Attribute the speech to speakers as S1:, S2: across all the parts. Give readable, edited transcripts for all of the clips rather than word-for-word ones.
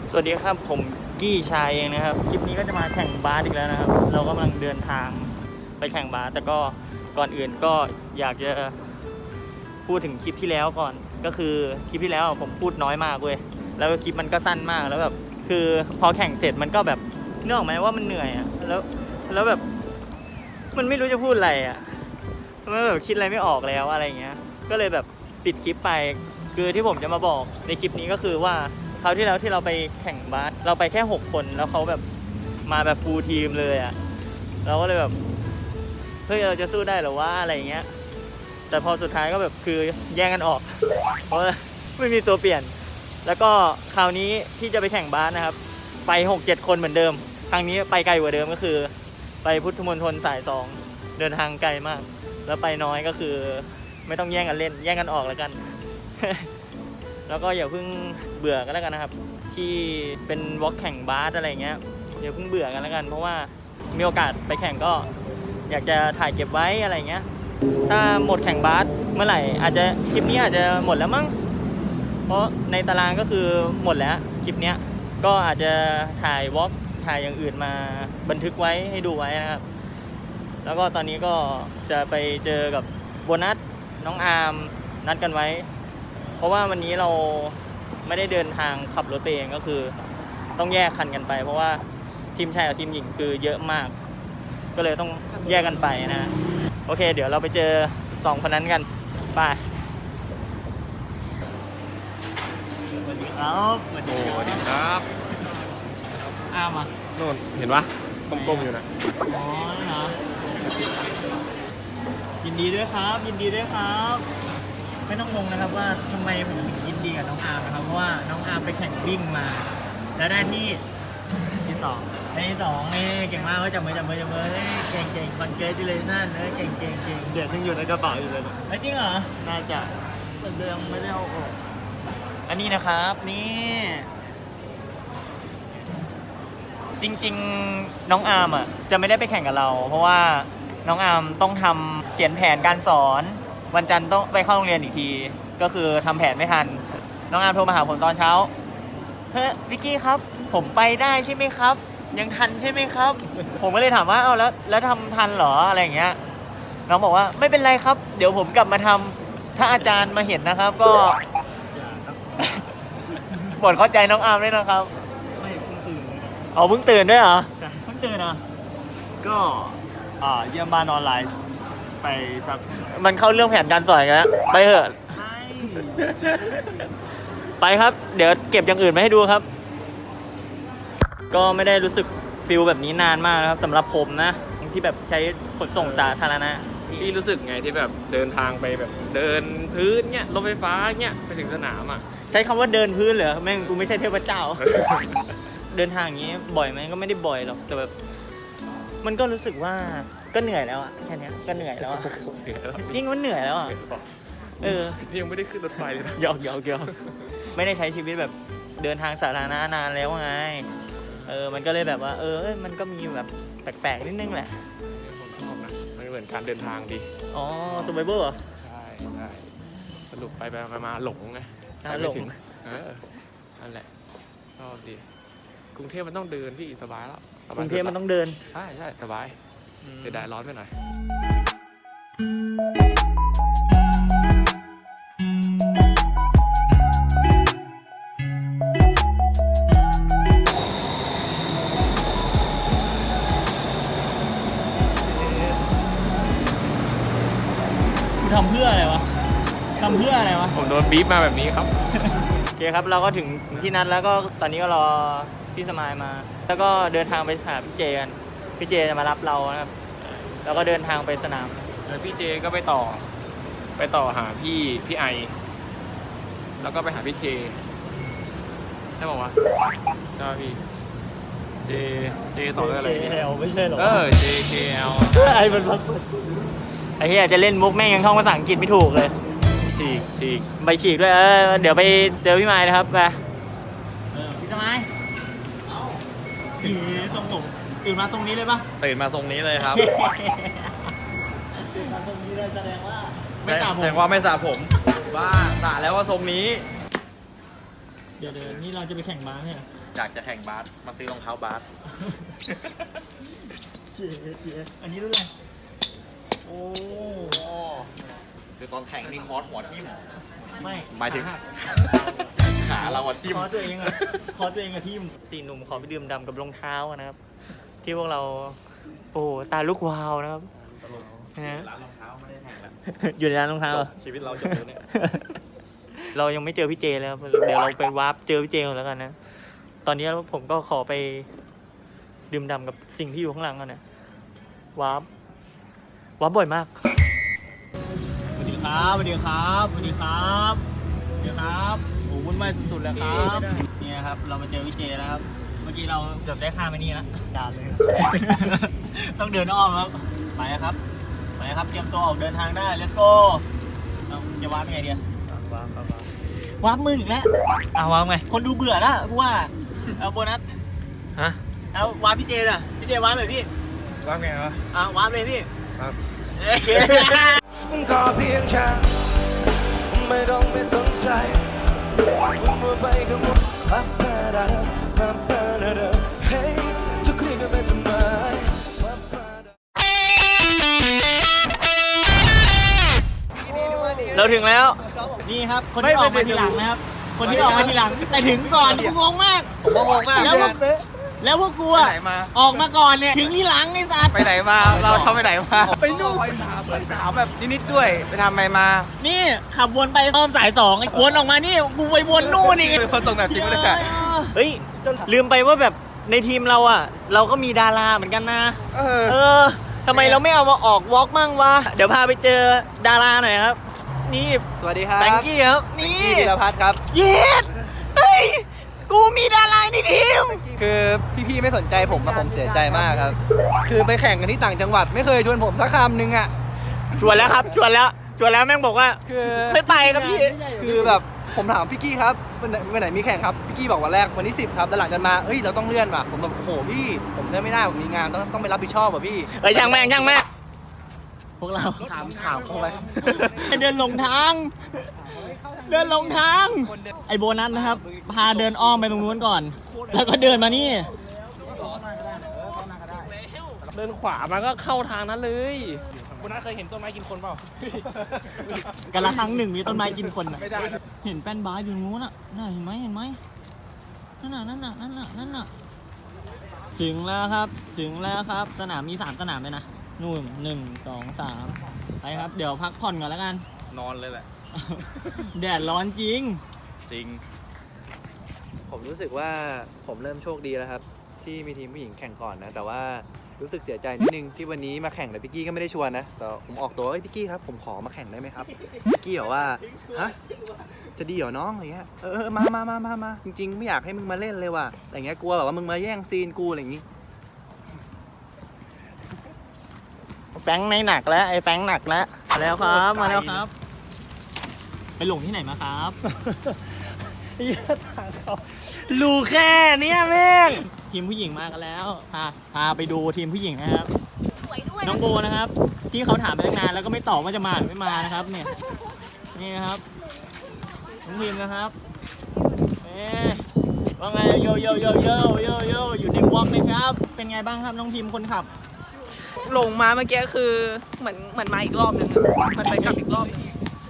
S1: สวัสดีครับผมกี้ชายเองนะครับคลิปนี้ก็จะมาแข่งบาสอีกแล้วนะครับเรากำลังเดินทางไปแข่งบาสแต่ก็ก่อนอื่นก็อยากจะพูดถึงคลิปที่แล้วก่อนก็คือคลิปที่แล้วผมพูดน้อยมากเว้ยแล้วคลิปมันก็สั้นมากแล้วแบบคือพอแข่งเสร็จมันก็แบบนึกออกไหมว่ามันเหนื่อยอ่ะแล้วแบบมันไม่รู้จะพูดอะไรอ่ะมันแบบคิดอะไรไม่ออกแล้วอะไรเงี้ยก็เลยแบบปิดคลิปไปคือที่ผมจะมาบอกในคลิปนี้ก็คือว่าคราวที่แล้วที่เราไปแข่งบาสเราไปแค่6 คนแล้วเขาแบบมาแบบฟูลทีมเลยอ่ะเราก็เลยแบบเฮ้ยเราจะสู้ได้หรอวะอะไรเงี้ยแต่พอสุดท้ายก็แบบคือแย่งกันออกเพราะไม่มีตัวเปลี่ยนแล้วก็คราวนี้ที่จะไปแข่งบาสนะครับไป6-7 คนเหมือนเดิมครั้งนี้ไปไกลกว่าเดิมก็คือไปพุทธมณฑลสาย2เดินทางไกลมากแล้วไปน้อยก็คือไม่ต้องแย่งกันเล่นแย่งกันออกแล้วกัน แล้วก็อย่าเพิ่งเบื่อกันแล้วกันนะครับที่เป็นวอล์กแข่งบาสอะไรเงี้ยอย่าเพิ่งเบื่อกันแล้วกันเพราะว่ามีโอกาสไปแข่งก็อยากจะถ่ายเก็บไว้อะไรเงี้ยถ้าหมดแข่งบาสเมื่อไหร่อาจจะคลิปนี้อาจจะหมดแล้วมั้งเพราะในตารางก็คือหมดแล้วคลิปเนี้ยก็อาจจะถ่ายวอล์กถ่ายอย่างอื่นมาบันทึกไว้ให้ดูไว้นะครับแล้วก็ตอนนี้ก็จะไปเจอกับโบนัสน้องอาร์มนัดกันไว้เพราะว่าวันนี้เราไม่ได้เดินทางขับรถไปเองก็คือต้องแยกคันกันไปเพราะว่าทีมชายกับทีมหญิงคือเยอะมากก็เลยต้องแยกกันไปนะโอเคเดี๋ยวเราไปเจอ2 คนนั้นกันไปสวัสดีครับสวัสดี
S2: สวัสดีครับ
S1: อ้ามา
S2: โน่นเห็นปะกลมๆอยู่นะ
S1: อ๋อเหรอยินดีด้วยครับยินดีด้วยครับไม่ต้องงงนะครับว่าทำไมผมถึงยินดีกับน้องอาร์มนะครับเพราะว่าน้องอาร์มไปแข่งวิ่งมาแล้วได้ที่2ได้ที่2นี่เก่งมากก็จับมือเฮ้ยเก่งคอนเกรสเลยนั่นเก่งเดี๋ยวยังอยู่ในกระเป๋าอยู่เลยจริงเหรอน่าจะมันยังไม่ได้เอาออกอันนี้นะครับนี่จริงๆน้องอาร์มอ่ะจะไม่ได้ไปแข่งกับเราเพราะว่าน้องอาร์มต้องทำเขียนแผนการสอนวันจันทร์ต้องไปเข้าโรงเรียนอีกทีก็คือทำแผนไม่ทันน้องอาร์มโทรมาหาผมตอนเช้าเฮ้ยวิกกี้ครับผมไปได้ใช่ไหมครับยังทันใช่ไหมครับผมก็เลยถามว่าเอาแล้วทำทันเหรออะไรอย่างเงี้ยน้องบอกว่าไม่เป็นไรครับเดี๋ยวผมกลับมาทำถ้าอาจารย์มาเห็นนะครับก็โปรดเข้าใจน้องอาร์มด้วยนะครับไม่เพิ่งตื่นเอาเพิ่งตื่นด้วยเหรอใช่เพิ่งตื่นเหรอก็เยี่ยมบ้านออนไลน์ไปสักมันเข้าเรื่องแผนการสอนกันแล้วไปเถอะไปครับเดี๋ยวเก็บอย่างอื่นมาให้ดูครับก็ไม่ได้รู้สึกฟิลแบบนี้นานมากนะครับสำหรับผมนะที่แบบใช้ขนส่งสาธารณะ
S2: พี่รู้สึกไงที่แบบเดินทางไปแบบเดินพื้นเนี้ยรถไฟฟ้าเนี้ยไปถึงสนามอ่ะ
S1: ใช้คำว่าเดินพื้นเหรอแม่งกูไม่ใช่เทพเจ้า เดินทางอย่างนี้บ่อยไหมก็ไม่ได้บ่อยหรอกแต่แบบมันก็รู้สึกว่าก็เหนื่อยแล้วอะแค่นี้ก็เหนื่อยแล้วอะจริงมันเหนื่อยแล้วอะ
S2: นี่ยังไม่ได้ขึ้นรถไฟเลยนะ
S1: หยอกไม่ได้ใช้ชีวิตแบบเดินทางสาธารณะนานแล้วไงมันก็เลยแบบว่ามันก็มีแบบแปลกๆนิดนึงแหละ
S2: ผมชอบนะมันเหมือนการเดินทางดี
S1: อ๋อซูเปอร์เบอร์
S2: ใช่สรุปไปมาหลงไง
S1: หลง
S2: นั่นแหละชอบดีกรุงเทพมันต้องเดินพี่สบายแล้ว
S1: กรุงเทพมันต้องเดิน
S2: ใช่สบายเสียดายร้อนไปหน่อย
S1: ทำเพื่ออะไรวะ
S2: ผมโดนบีบมาแบบนี้ครับ
S1: โอเคครับเราก็ถึงที่นัดแล้วก็ตอนนี้ก็รอพี่สมายมาแล้วก็เดินทางไปหาพี่เจกันพี่เจจะมารับเรานะครับแล้วก็เดินทางไปสนาม
S2: แล้วพี่เจก็ไปต่อหาพี่ไอแล้วก็ไปหาพี่เคใช่บอกว่าใช่พี่เจต่ออะไร
S1: JKL ไม่ใช่หรอ
S2: JKL
S1: ไอ้มันไอ้เหี้ยจะเล่นมุกแม่งยังท่องภาษาอังกฤษไม่ถูกเลย
S2: ฉีก
S1: ใบฉีกด้วยเดี๋ยวไปเจอพี่ไม้นะครับไปพี่สมัยทรงผมตื่นมาทรงนี้เลยปะ
S3: ตื่นมาทรงนี้เลยครับ
S1: ตื่นมาทรงนี้เลยแสดงว่า
S3: ไม่สระผมว่าสระแล้วว่าทรงนี้
S1: เดี๋ยวนี่เราจะไปแข่งบาสใช่ไหม
S3: จากจะแข่งบาสมาซื้อรองเท้าบาส
S1: อันนี้รุ่นอะไรโอ้
S3: คือตอนแข่งนี่คอร์สหัวทิ่ม
S1: ไม่
S3: หมายถึง ขาเราอะทิ่ม
S1: คอตัวเองอะคอตัวเองอะทีมสี่หนุ่มขอไปดื่มด่ำกับรองเท้านะครับ ที่พวกเราโอ้ตาลูกวาวนะครับนะฮะ
S3: ร้านรองเท้าไม่ได้แข่งแล้ว
S1: อยู่ในร้านรองเท้า
S3: จ
S1: เหร
S3: บ
S1: อ
S3: ชีวิตเราจบแล้วเนี่ย
S1: เรายังไม่เจอพี่เจเลยครับเดี๋ยวเราไปวาร์ปเจอพี่เจก่อนแล้วกันนะ ตอนนี้ผมก็ขอไปดื่มด่ำกับสิ่งที่อยู่ข้างหลังกันนะวาร์ปบ่อยมากสวัสดีครับสวัสดีครับสวัสดีครับสวัสดีครับโอ้วุ่นวายสุดๆแล้วครับนี่นะครับเรามาเจอพี่เจแล้วครับเมื่อกี้เราเกือบได้ข้ามไปนี่แล้วด่าเลย ต้องเดินอ้อมครับไปครับไปครับเตรียมตัวออกเดินทางได้ let's go เอาจะวาร์ปยังไงดีวาร์ปมึงอีกแล้ววาร์ปไงคนดูเบื่อแล้วกูว่าเอาโบนัส
S2: ฮะ
S1: เอาวาร์ปพี่เจน่ะพี่เจวาร์ปเลยพี่
S2: ว่าไงวะ
S1: วาร์ปเลยพี่
S2: ครับ
S4: ขอเพียงแค่ไม่ต้องไปสนใจมัวไปกับมุกปั๊บปะดาปั๊บปะดาดาเฮ้ยจะคุยกันไปทำไมปั๊บปะดา
S1: เราถึงแล้วนี่ครับคนที่ออกมาทีหลังนะครับ คนที่ออกมาทีหลังแต่ถึงก่อนกูงงมาก
S3: ผมก็งงมาก
S1: แล้วพวกกูอะออกมาก่อนเนี่ยถึงที่หลังไอ้สัตว์
S3: ไปไหนมา เราทำไปไหนมา ไปนู่นไปสาวแบบนิดๆด้วย ไปทำอะไรมา
S1: นี่ขับวนไปอ้อมสาย2ไอ้วนออกมานี่กูไปวนนู่นอีก
S3: คนส่งแบบจริงไม่ได้
S1: เฮ้ยลืมไปว่าแบบในทีมเราอะเราก็มีดาราเหมือนกันนะทำไมเราไม่เอามาออกวอล์กมั่งวะเดี๋ยวพาไปเจอดาราหน่อยครับนี่
S3: สวัสดีครับ
S1: แฟรงกี้ครับนี่
S3: ธีรพัฒน์ครับ
S1: เย็ดเฮ้ยกูมีดาราในทีม
S3: คือพี่ๆไม่สนใจผมผมเสียใจมากครับ คือไปแข่งกันที่ต่างจังหวัดไม่เคยชวนผมสักคำนึงอ่ะ
S1: ชวนแล้วครับชวนแล้วแม่งบอกว่า
S3: คือ
S1: ไม่ไปครับพี่
S3: คือแบบผมถามพี่กี้ครับวันไหนมีแข่งครับพี่กี้บอกวันแรกวันที่10ครับแต่หลังจากมาเราต้องเลื่อนว่ะผมแบบโอ้โหพี่ผมเลื่อนไม่ได้ผมมีงานต้องไปรับผิดชอบว่ะพี่
S1: เฮ้ยช่างแม่งพวกเรา
S3: ถามเขาไป
S1: เดินหลงทางไอโบนัสนะครับพาเดินอ้อมไปตรงนู้นก่อน แล้วก็เดินมานี่
S2: เดินขวามันก็เข้าทางนั้นเลยคุณน้าเคยเห็นต้นไม้กินคนเปล่า
S1: กันละครั้งหนึ่งมีต้นไม้กินคนอ่ะ
S2: ไม่ได้นะ
S1: เห็นแป้นบาสอยู่นู้นอ่ะน่าเห็นไหมนั่นน่ะถึงแล้วครับสนามมี3สนามเลยนะนู่น1 2 3ไปครับเดี๋ยวพักผ่อนก่อนแล้วกัน
S3: นอนเลยแหละ
S1: แดดร้อนจริง
S3: จริง
S5: ผมรู้สึกว่าผมเริ่มโชคดีแล้วครับ ที่มีทีมผู้หญิงแข่งก่อนนะ แต่ว่ารู้สึกเสียใจนิดนึงที่วันนี้มาแข่งแต่พี่กี้ก็ไม่ได้ชวนนะแต่ผมออกตัวพี่กี้ครับผมขอมาแข่งได้ไหมครับพี่กี้บอกว่าฮะจะดีเหรอน้องอะไรเงี้ยมาจริงๆไม่อยากให้มึงมาเล่นเลยว่ะอะไรเงี้ยกลัวแบบว่ามึงมาแย่งซีนกูอะไรอย่างงี้
S1: แฟงในหนักแล้วไอ้แฟงหนักแล้วมาแล้วครับมาแล้วครับ ไปหลงที่ไหนมาครับรู้แค่เนี้ยแม่งทีมผู้หญิงมากันแล้วพาไปดูทีมผู้หญิงนะครับ
S6: สวยด้วย
S1: น้องโบนะครับ ที่เขาถามไปตั้งนานแล้วก็ไม่ตอบว่าจะมาหรือไม่มานะครับ เนี่ยนี่นะครับน้องพิมนะครับว่าไงโยอยู่ในวอล์กนะครับ เป็นไงบ้างครับน้องพิมคนขับ
S6: ลงมาเมื่อกี้คือเหมือนมาอีกรอบนึงมันไปกลับอีกรอบนึง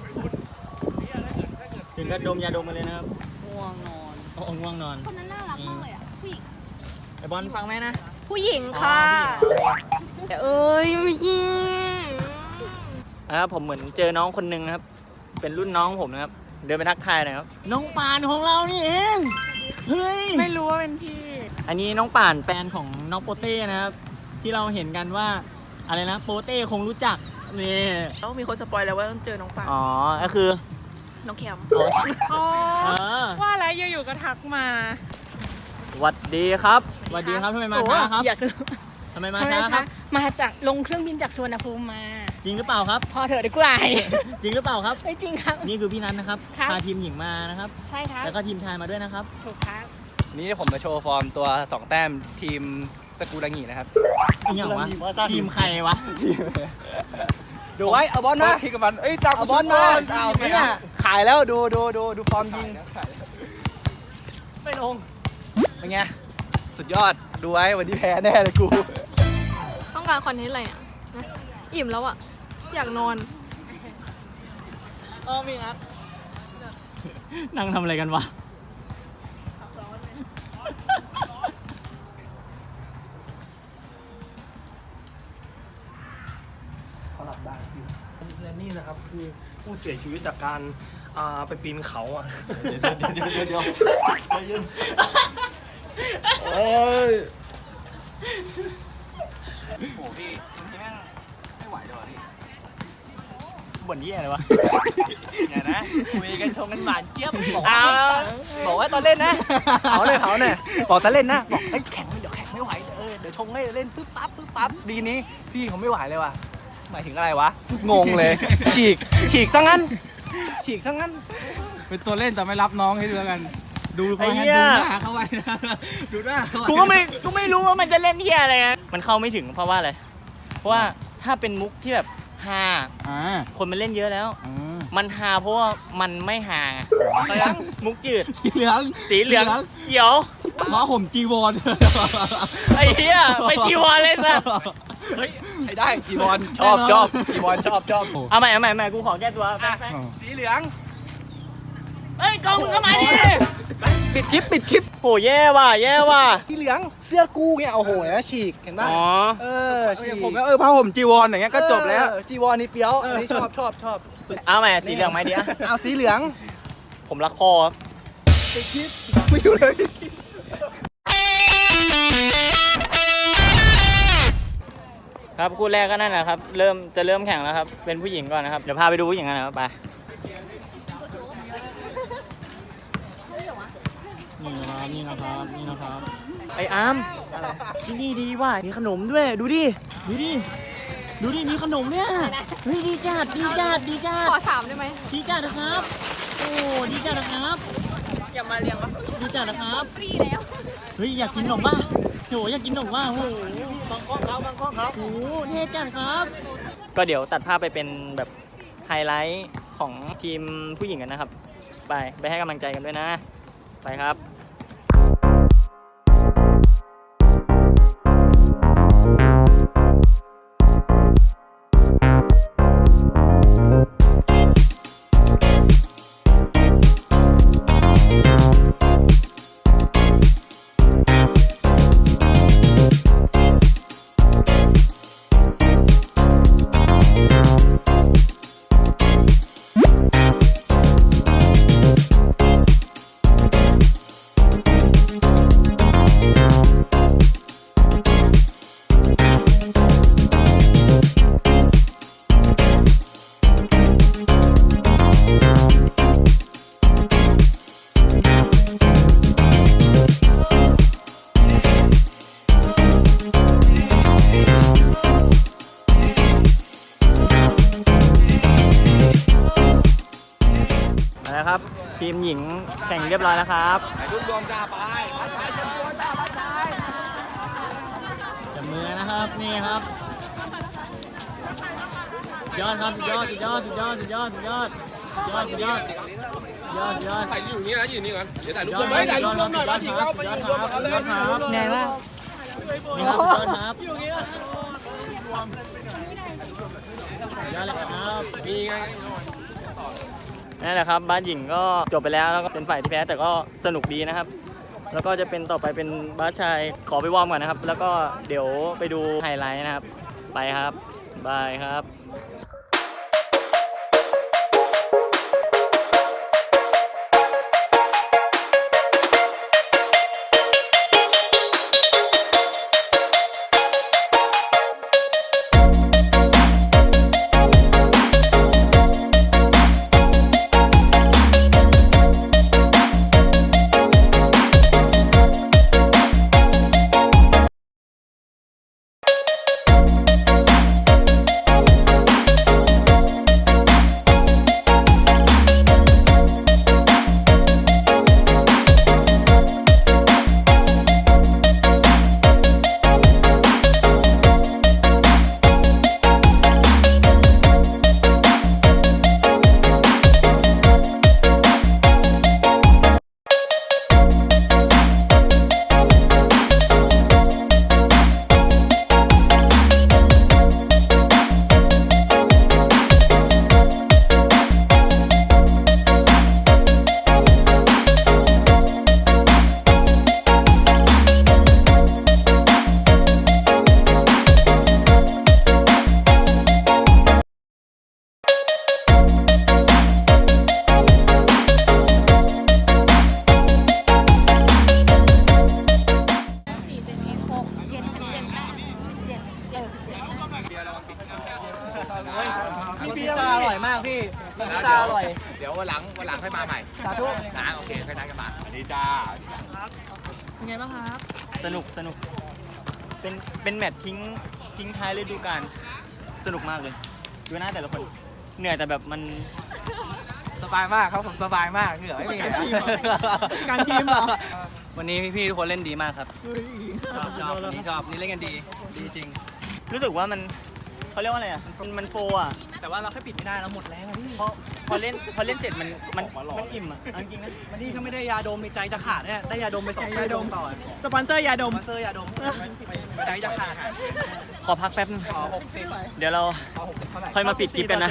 S1: ถึงกระดมยาดมมาเลยนะครับ
S6: ง่วงนอน
S1: โอ้ง่วงนอน
S7: คนนั้นน่ารักมากเลยอ่ะ ผู้หญิง
S1: ไอบอลฟังไหมนะ
S7: ผู้หญิงค่ะ
S6: เอ้ยไม่ยิง
S1: ผมเหมือนเจอน้องคนหนึ่งนะครับ เป็นรุ่นน้องผมนะครับ เดินไปทักทายหน่อยครับ น้องป่านของเรานี่เอง เฮ้ย
S6: ไม่รู้ว่าเป็นพี่
S1: อันนี้น้องป่านแฟนของน้องโปเต้นะครับ ที่เราเห็นกันว่าอะไรนะโปเต้คงรู้จักนี่
S6: ต้องมีคนสปอยแล้วว่าต้องเจอน้องปา
S1: อ๋อ ก็คือ
S6: น้องแคม
S1: อ๋อว่า
S6: อะไรอยู่ๆก็ทักมา
S1: สวัสดีครับสวัสดีครับทำไมมาช้าครับ
S7: อย่าซื้อ
S1: ทำไมมาช้าครับ
S7: มาจากลงเครื่องบินจากสุวรรณภูมิมา
S1: จริงหรือเปล่าครับ
S7: พอเถอะดีกว่า
S1: จริงหรือเปล่าครับ
S7: ไม่จริงครับ
S1: นี่คือพี่นัทนะครับ
S7: ครับ
S1: พาทีมหญิงมานะครับ
S7: ใช่ครับ
S1: แล้วก็ทีมชายมาด้วยนะครับ
S7: ถูกครับ
S5: นี่ผมมาโชว์ฟอร์มตัว2แต้มทีมสกูดังหีนะครับ
S1: อีหยังวะทีมใครวะ
S5: ดูไว้เอาบอลมา
S3: ที่กับมันตา
S5: เอาบอลมาเนี่ยขายแล้วดูฟอร์มยิงไม่ลง
S3: เป็นไง สุดยอด ดูไว้วันนี้แพ้แน่เลยกู
S7: ต้องการคอนเทนต์อะไรอ่ะนะอิ่มแล้วอ่ะ อยากนอน
S1: มีนัดนั่งทำอะไรกันวะ
S4: และนี่นะครับคือผู้เสียชีวิตจากการไปปีนเขาอ่ะ
S5: เดี๋ยวใจเย็นโอ้ย
S3: โอ้พี่แม่งไม่ไหวเลยพี่
S1: บ่นยี่อะไรวะ
S3: เนี่ยนะคุยกันชงกันหวานเจี๊ยบบอกว่าตอนเล่นนะเผาเลยบอกตอนเล่นนะบอกเฮ้ยแข่งเดี๋ยวแข่งไม่ไหวเดี๋ยวชงให้เล่นปึ๊บปั๊บดีนี้พี่เขาไม่ไหวเลยว่ะหมายถึงอะไรวะงงเลย ฉีกซะงั้นเป็นตัวเล่นแต่ไม่รับน้องให้ดูแล้วกันดู
S1: ไอ้เหี้ย
S3: หน้าเข้าไว้นะดูหน้าเข้าไว้
S1: กูไม่รู้ว่ามันจะเล่นเฮียอะไรนะมันเข้าไม่ถึงเพราะว่าอะไร เพราะว่าถ้าเป็นมุกที่แบบฮาคนมันเล่นเยอะแล้ว มันฮาเพราะว่ามันไม่ฮาเพราะฉะนั้นมุกจืด
S3: สีเหลือง
S1: สีเหลืองเขียว
S3: ม้าห่มจีวร
S1: ไอ้เหี้ยไปจีวรเลยสัส
S3: เฮ้ยให้ได้จีวรชอบจีวรชอบ
S1: เอาใหม่กูขอแก้ตัวแป๊บ
S3: สีเหลือง
S1: เฮ้ยกองมึงเข้ามาดิ
S3: ปิดคลิป
S1: โหแย่ว่ะ
S3: สีเหลืองเสื้อกูเนี่ยโอ้โหนะฉีกเห็นป่ะ
S1: อ๋อ
S3: ฉีกผมก็ผ้าห่มจีวรอย่างเงี้ยก็จบแล้วจีวรนี่เฟี้ยวอันนี้ชอบ
S1: เอาใหม่สีเหลืองไหมเดียว
S3: เอาสีเหลือง
S1: ผมรักพ่อครับ
S3: ปิดคลิปไม่อยู่เลย
S1: ครับคู่แรกก็นั่นแหละครับจะเริ่มแข่งแล้วครับเป็นผู้หญิงก่อนนะครับเดี๋ยวพาไปดูผู้หญิงกันนะครับไปนี่นะครับไอ้อาร์มที่นี่ดีว่ะมีขนมด้วยดูดิมีขนมเนี่ยเฮ้ยดีจัด
S7: ขอ3ได้ไหม
S1: ดีจัดนะครับโอ้ดีจัดนะครับ
S6: อย่ามาเรียงวะ
S1: ดีจัดนะครับ
S7: ฟรีแล้ว
S1: เฮ้ยอยากกินขนมป่ะโหอยากกินขนมป่ะโหบางก้อนครับโอ้เท่จัดครับก็เดี๋ยวตัดภาพไปเป็นแบบไฮไลท์ของทีมผู้หญิงกันนะครับไปให้กำลังใจกันด้วยนะไปครับครับทีมหญิงแข่งเรียบร้อยแล้วครับทุกรวมจ้าไปจับมือนะครับนี่ครับยอดครับยอดไปอยู่นี่นะอยู่นี่ก่อนเดี๋ยวถ่ายรูปรวมถ่ายรูปรวมหน่อยมาถึงแล้วไปอยู่รวมกันเลย
S6: ไหนวะ
S1: นี่ครับยอดครับอยู่นี่ยอดเลยครับมีไงนั่นแหละครับบ้านหญิงก็จบไปแล้วก็เป็นฝ่ายที่แพ้แต่ก็สนุกดีนะครับแล้วก็จะเป็นต่อไปเป็นบ้านชายขอไปวอร์มก่อนนะครับแล้วก็เดี๋ยวไปดูไฮไลท์นะครับไปครับบายครับ
S3: ซ่าอร่อยมากพี่พิซซ่าอร่อย
S2: เดี๋ยววันหลังค่อยมาใหม่
S3: สาธุ
S2: นะโอเคค่อยนัดกันมาสวัสดีจ้า
S6: เป็นไงบ้างครับ
S1: สนุกเป็นแมตช์ทิ้งท้ายฤดูกาลสนุกมากเลยดูหน้าแต่ละคนเหนื่อยแต่แบบมัน
S3: สบายมากครับผมสบายมากเหงื่อไม่มี
S6: การทีมเหรอ
S3: วันนี้พี่ๆทุกคนเล่นดีมากครับชอบวันนี้ชอบนี่เล่นกันดีจริง
S1: รู้สึกว่ามันเขาเรียกว่าอะไรอ่ะมันโฟร์อ่ะ
S3: แต่ว่าเราแค่ปิดไม่ได้เราหมดแรงอะพี่
S1: พอเล่นเสร็จมันอิ่มอ่ะเอาจริงๆนะ
S3: วันนี้ถ้าไม่ได้ยาดมในใจจะขาดเนี่ยได้ยาดมไป2 ยาดมต่อ
S6: สปอนเซอร์ยาดม
S3: มาเซอร์ยาดมใจจะขาด
S1: ขอพักแป๊บนึง
S3: ขอ60
S1: เดี๋ยวเรา
S3: ขอ60เท่าไหร่
S1: ค่อยมาปิดคลิปกันนะ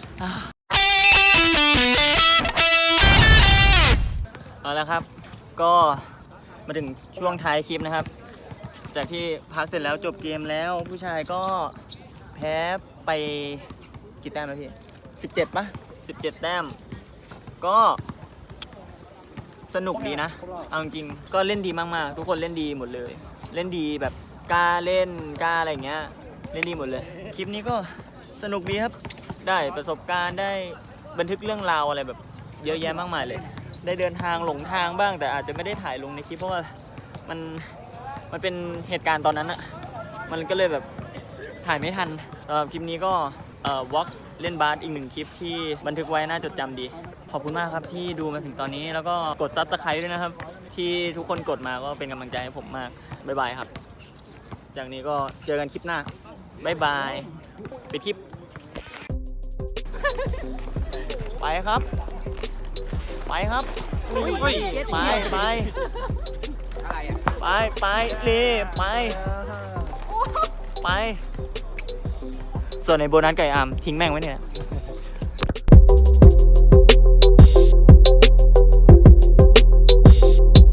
S1: เอาละครับ ก็มาถึงช่วงท้ายคลิปนะครับ จากที่พักเสร็จแล้วจบเกมแล้วผู้ชายก็แพ้ไปกี่แต้มนะพี่17 ป่ะ 17 แต้ม ก็สนุกดีนะเอาจริงๆก็เล่นดีมากๆทุกคนเล่นดีหมดเลย เล่นดีแบบกล้าเล่นกล้าอะไรอย่างเงี้ยเล่นดีหมดเลย คลิปนี้ก็สนุกดีครับได้ประสบการณ์ได้บันทึกเรื่องราวอะไรแบบเยอะแยะมากมายเลย ได้เดินทางหลงทางบ้างแต่อาจจะไม่ได้ถ่ายลงในคลิปเพราะว่ามันเป็นเหตุการณ์ตอนนั้นอะมันก็เลยแบบถ่ายไม่ทันคลิปนี้ก็วอล์กเล่นบาสอีก1 คลิปที่บันทึกไว้น่าจดจำดีขอบคุณมากครับที่ดูมาถึงตอนนี้แล้วก็กด Subscribe ด้วยนะครับที่ทุกคนกดมาก็เป็นกำลังใจให้ผมมากบ๊ายบายครับจากนี้ก็เจอกันคลิปหน้าบ๊ายบายปิดคลิป ไปครับไปเลยไปส่วนในโบนัสไก่อาร์มทิ้งแม่งไว้เนี่ย